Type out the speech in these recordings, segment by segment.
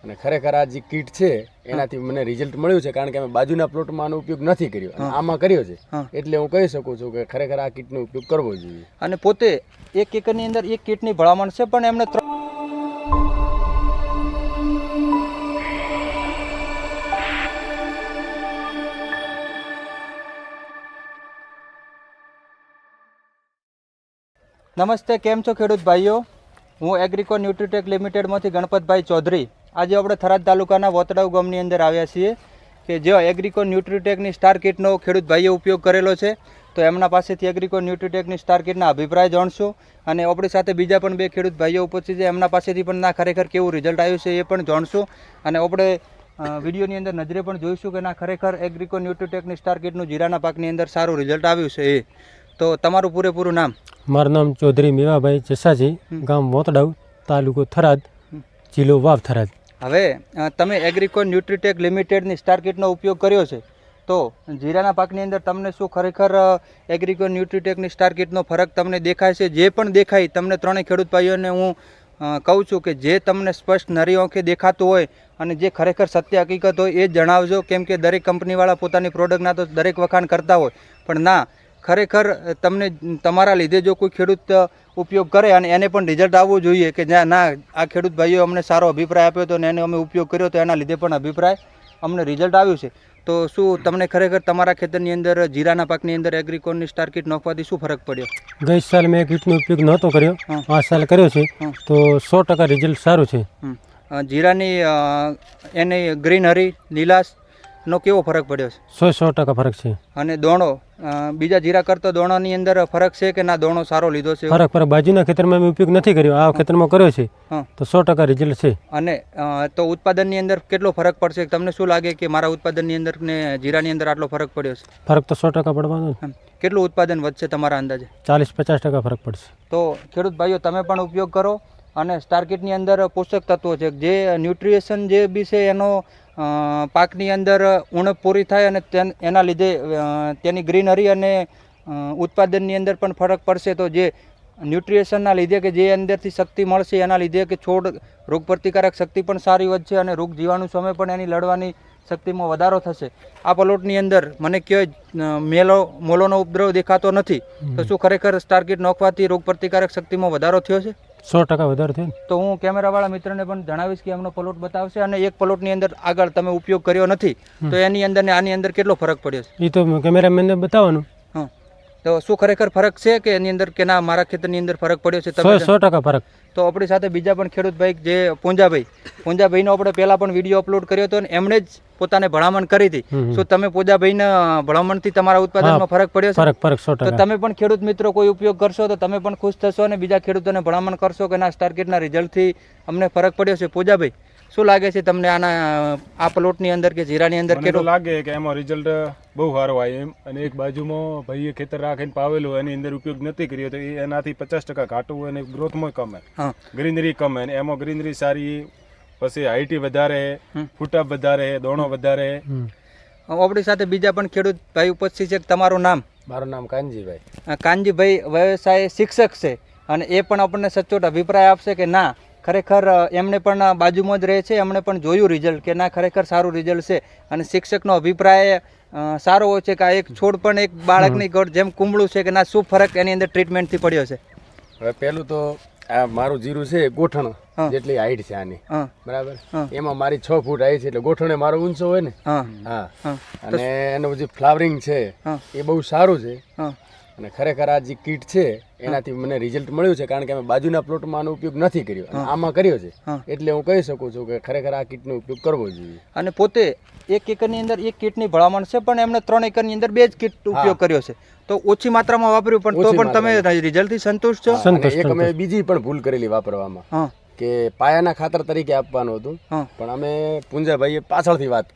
અને ખરેખર આ જે કીટ છે એનાથી મને રિઝલ્ટ મળ્યું છે, કારણ કે અમે બાજુના પ્લોટમાં આનો ઉપયોગ નથી કર્યો અને આમાં કર્યો છે. એટલે હું કહી શકું છું કે ખરેખર આ કીટનો ઉપયોગ કરવો જોઈએ. અને પોતે 1 એકરની અંદર 1 કીટની ભલામણ છે, પણ એમને નમસ્તે, કેમ છો ખેડૂત ભાઈઓ? હું એગ્રીકો ન્યુટ્રીટેક લિમિટેડમાંથી ગણપતભાઈ ચૌધરી. આજે આપણે થરાદ તાલુકાના વોતડાવ ગામની અંદર આવ્યા છીએ કે જે એગ્રીકો ન્યુટ્રીટેકની સ્ટાર કિટનો ખેડૂત ભાઈઓ ઉપયોગ કરેલો છે. તો એમના પાસેથી એગ્રીકો ન્યુટ્રીટેકની સ્ટાર કિટના અભિપ્રાય જાણશું અને આપણી સાથે બીજા પણ 2 ખેડૂત ભાઈઓ ઉપસ્થિત છે, એમના પાસેથી પણ ના ખરેખર કેવું રિઝલ્ટ આવ્યું છે એ પણ જાણશું. અને આપણે વિડીયોની અંદર નજરે પણ જોઈશું કે ના ખરેખર એગ્રીકો ન્યુટ્રીટેકની સ્ટાર કિટનું જીરાના પાકની અંદર સારું રિઝલ્ટ આવ્યું છે એ. તો તમારું પૂરેપૂરું નામ? મારું નામ ચૌધરી મેવાભાઈ જસાજી, ગામ વોતડાવ, તાલુકો થરાદ, જિલ્લો વાવ થરાદ. હવે તમે એગ્રીકો ન્યુટ્રીટેક લિમિટેડની સ્ટાર કિટનો ઉપયોગ કર્યો છે, તો જીરાના પાકની અંદર તમને શું ખરેખર એગ્રીકો ન્યુટ્રીટેકની સ્ટાર કિટનો ફરક તમને દેખાય છે? જે પણ દેખાય તમને ત્રણેય ખેડૂત ભાઈઓને હું કહું છું કે જે તમને સ્પષ્ટ નરી આંખે દેખાતું હોય અને જે ખરેખર સત્ય હકીકત હોય એ જ જણાવજો. કેમ કે દરેક કંપનીવાળા પોતાની પ્રોડક્ટના તો દરેક વખાણ કરતા હોય, પણ ના, ખરેખર તમને તમારા લીધે જો કોઈ ખેડૂત ઉપયોગ કરે અને એને પણ રિઝલ્ટ આવવું જોઈએ કે ના આ ખેડૂત ભાઈઓ અમને સારો અભિપ્રાય આપ્યો હતો અને એને અમે ઉપયોગ કર્યો તો એના લીધે પણ અભિપ્રાય અમને રિઝલ્ટ આવ્યું છે. તો શું તમને ખરેખર તમારા ખેતરની અંદર જીરાના પાકની અંદર એગ્રીકોનની સ્ટાર કિટ નાખવાથી શું ફરક પડ્યો? ગઈ સાલ મેં કીટનો ઉપયોગ નહોતો કર્યો, આ સાલ કર્યો છે તો 100% રિઝલ્ટ સારું છે. જીરાની એની ગ્રીનરી લીલાશ નો કેવો ફરક પડ્યો છે? 100% ફરક છે. અને દોણો બીજા જીરા કરતો દોણાની અંદર ફરક છે કે ના દોણો સારો લીધો છે? ફરક બાજુના ખેતરમાં મેં ઉપયોગ નથી કર્યો, આ ખેતરમાં કર્યો છે તો 100% રિઝલ્ટ છે. અને તો ઉત્પાદનની અંદર કેટલો ફરક પડશે? તમને શું લાગે કે મારા ઉત્પાદનની અંદર ને જીરાની અંદર આટલો ફરક પડ્યો છે? ફરક તો 100% પડવાનો. કેટલું ઉત્પાદન વધશે તમારા અંદાજે? 40-50% ફરક પડશે. તો ખેડૂત ભાઈઓ તમે પણ ઉપયોગ કરો. અને સ્ટાર કિટની અંદર પોષક તત્વો છે, જે ન્યુટ્રિશન જે બી છે એનો પાકની અંદર ઉણપ પૂરી થાય અને એના લીધે તેની ગ્રીનરી અને ઉત્પાદનની અંદર પણ ફરક પડશે. તો જે ન્યુટ્રિશનના લીધે કે જે અંદરથી શક્તિ મળશે એના લીધે કે છોડ રોગપ્રતિકારક શક્તિ પણ સારી વધશે અને રોગ જીવાણુ સામે પણ એની લડવાની શક્તિમાં વધારો થશે. આ પ્લોટની અંદર મને ક્યાંય મોલોનો ઉપદ્રવ દેખાતો નથી, તો શું ખરેખર સ્ટાર કિટ નાખવાથી રોગપ્રતિકારક શક્તિમાં વધારો થયો છે? 100% વધારે થયો. તો હું કેમેરાવાળા મિત્રને પણ જણાવીશ કે એમનો પ્લોટ બતાવશે અને એક પ્લોટની અંદર આગળ તમે ઉપયોગ કર્યો નથી તો એની અંદર ને આની અંદર કેટલો ફરક પડ્યો છે એ તો કેમેરામેનને બતાવવાનું. તો શું ખરેખર ફરક છે કે એની અંદર કે ના મારા ખેતરની અંદર ફરક પડ્યો છે? 100% ફરક. તો આપણી સાથે બીજા પણ ખેડૂત ભાઈ જે પૂંજાભાઈનો આપણે પહેલા પણ વિડીયો અપલોડ કર્યો હતો અને એમણે જ પોતાને ભલામણ કરી હતી. શું તમે પૂંજાભાઈના ભલામણથી તમારા ઉત્પાદનમાં ફરક પડ્યો છે? ફરક 100%. તો તમે પણ ખેડૂત મિત્રો કોઈ ઉપયોગ કરશો તો તમે પણ ખુશ થશો અને બીજા ખેડૂતોને ભલામણ કરશો કે ના સ્ટાર કિટના રિઝલ્ટથી અમને ફરક પડ્યો છે. પૂંજાભાઈ, શું લાગે છે તમને આ પ્લોટની અંદર કે જીરાની અંદર? કેટલું લાગે કે એમાં રિઝલ્ટ બહુ સારો આવ્યો એમ. અને એક બાજુમાં ભાઈએ ખેતર રાખીને પાવેલું એની અંદર ઉપયોગ નથી કર્યો તો એનાથી 50% ઘાટું અને ગ્રોથમાં કમે, ગ્રીનરી કમે. અને એમાં ગ્રીનરી સારી, પછી હાઈટી વધારે, ફૂટઅપ વધારે, દોણો વધારે. આપણી સાથે બીજા પણ ખેડૂત ભાઈ ઉપસ્થિત છે. તમારું નામ? મારું નામ કાનજીભાઈ. કાનજીભાઈ વ્યવસાય શિક્ષક છે અને એ પણ આપણને સચોટ અભિપ્રાય આપશે કે ના ખરેખર એમને પણ બાજુમાં જ રહે છે, એમણે પણ જોયું રિઝલ્ટ કે ના ખરેખર સારું રિઝલ્ટ છે. અને શિક્ષકનો અભિપ્રાય સારો હોય છે કે આ એક છોડ પણ એક બાળકની ગોળ જેમ કુંબળું છે કે ના શું ફરક એની અંદર ટ્રીટમેન્ટથી પડ્યો છે? હવે પહેલું તો આ મારું જીરું છે ગોઠણ જેટલી હાઈટ છે આની, બરાબર. એમાં મારી 6 ફૂટ હાઈટ છે એટલે ગોઠણે મારો ઊંચો હોય ને. અને એનું જે ફ્લાવરિંગ છે એ બહુ સારું છે. અને ખરેખર આ જે કીટ છે એનાથી મને રિઝલ્ટ મળ્યું છે, કારણ કે અમે બાજુના પ્લોટમાં આનો ઉપયોગ નથી કર્યો અને આમાં કર્યો છે. એટલે હું કહી શકું છું કે ખરેખર આ કીટનો ઉપયોગ કરવો જોઈએ. અને પોતે 1 એકરની અંદર 1 કીટની ભલામણ છે, પણ એમણે 3 એકરની અંદર 2 જ કીટ ઉપયોગ કર્યો છે. તો ઓછી માત્રામાં વાપર્યું પણ તો પણ તમે રિઝલ્ટથી સંતુષ્ટ છો? એક અમે બીજી પણ ભૂલ કરેલી વાપરવામાં કે પાયાના ખાતર તરીકે આપવાનું હતું, પણ અમે પૂંજાભાઈએ પાછળથી વાત કરી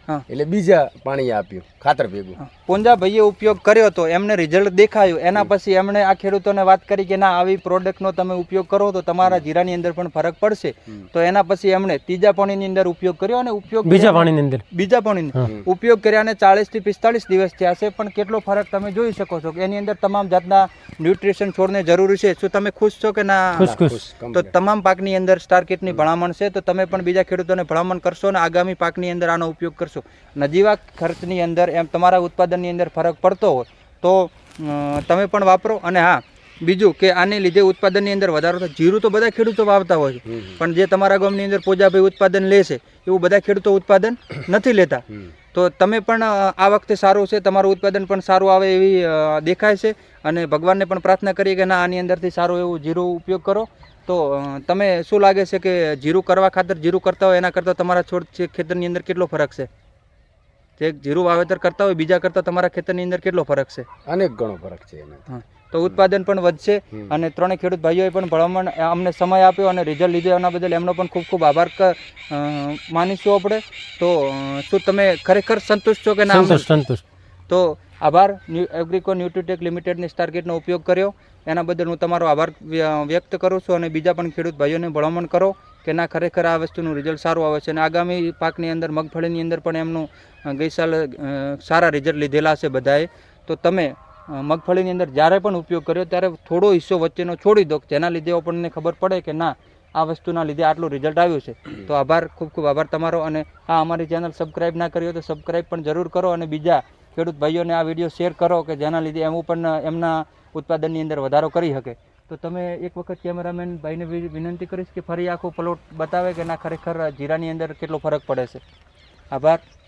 હા. એટલે બીજા પાણી આપ્યું ખાતર ભેગું. પૂંજા ભાઈએ ઉપયોગ કર્યો તો એમને રિઝલ્ટ દેખાયું, એના પછી એમણે આ ખેડૂતોને વાત કરી કે ના આવી પ્રોડક્ટનો તમે ઉપયોગ કરો તો તમારા જીરાની અંદર પણ ફરક પડશે. તો એના પછી એમણે ત્રીજા પાણીની અંદર ઉપયોગ કર્યો અને બીજા પાણીની અંદર બીજા પાણીની ઉપયોગ કર્યાને 40 થી 45 દિવસ થયા છે, પણ કેટલો ફરક તમે જોઈ શકો છો કે એની અંદર તમામ જાતના ન્યુટ્રિશન છોડને જરૂરી છે. શું તમે ખુશ છો કે ના? ખુશ. તો તમામ પાકની અંદર સ્ટાર કિટની ભલામણ છે, તો તમે પણ બીજા ખેડૂતોને ભલામણ કરશો અને આગામી પાકની અંદર આનો ઉપયોગ કરશો. નજીવા ખર્ચની અંદર એમ તમારા ઉત્પાદનની અંદર ફરક પડતો હોય તો તમે પણ વાપરો. અને હા, બીજું કે આને લીધે ઉત્પાદનની અંદર વધારો થાય. જીરું તો બધા ખેડૂતો વાવતા હોય છે, પણ જે તમારા ગામની અંદર પૂજાભાઈ ઉત્પાદન લે છે એવું બધા ખેડૂતો ઉત્પાદન નથી લેતા. તો તમે પણ આ વખતે સારું છે, તમારું ઉત્પાદન પણ સારું આવે એવી દેખાય છે. અને ભગવાનને પણ પ્રાર્થના કરીએ કે ના આની અંદરથી સારું એવું જીરું ઉપયોગ કરો. તો તમે શું લાગે છે કે જીરું કરવા ખાતર જીરું કરતા હોય એના કરતાં તમારા છોડ ખેતરની અંદર કેટલો ફરક છે? જે જીરું વાવેતર કરતા હોય બીજા કરતાં તમારા ખેતરની અંદર કેટલો ફરક છે? અનેક ગણો ફરક છે એનાથી. તો ઉત્પાદન પણ વધશે. અને ત્રણેય ખેડૂત ભાઈઓએ પણ ભલામણ અમને સમય આપ્યો અને રિઝલ્ટ લીધો એના બદલ એમનો પણ ખૂબ ખૂબ આભાર માનીશું આપણે. તો શું તમે ખરેખર સંતુષ્ટ છો કે ના? સંતુષ્ટ. તો આભાર. એગ્રીકો ન્યુટ્રીટેક લિમિટેડની સ્ટાર કિટનો ઉપયોગ કર્યો એના બદલ હું તમારો આભાર વ્યક્ત કરું છું. અને બીજા પણ ખેડૂત ભાઈઓને ભલામણ કરો કે ના ખરેખર આ વસ્તુનું રિઝલ્ટ સારું આવે છે. અને આગામી પાકની અંદર મગફળીની અંદર પણ એમનું ગઈ સાલ સારા રિઝલ્ટ લીધેલા છે બધાએ. તો તમે મગફળીની અંદર જ્યારે પણ ઉપયોગ કર્યો ત્યારે થોડો હિસ્સો વચ્ચેનો છોડી દો, જેના લીધે આપણને ખબર પડે કે ના આ વસ્તુના લીધે આટલું રિઝલ્ટ આવ્યું છે. તો આભાર, ખૂબ ખૂબ આભાર તમારો. અને હા, અમારી ચેનલ સબસ્ક્રાઈબ ના કરી હોય તો સબસ્ક્રાઈબ પણ જરૂર કરો અને બીજા ખેડૂત ભાઈઓને આ વિડીયો શેર કરો કે જેના લીધે એમ પણ એમના ઉત્પાદનની અંદર વધારો કરી શકે. તો તમે એક વખત કેમેરામેન ભાઈને વિનંતી કરીશ કે ફરી આખો પ્લોટ બતાવે કે ના ખરેખર જીરાની અંદર કેટલો ફરક પડે છે. આભાર.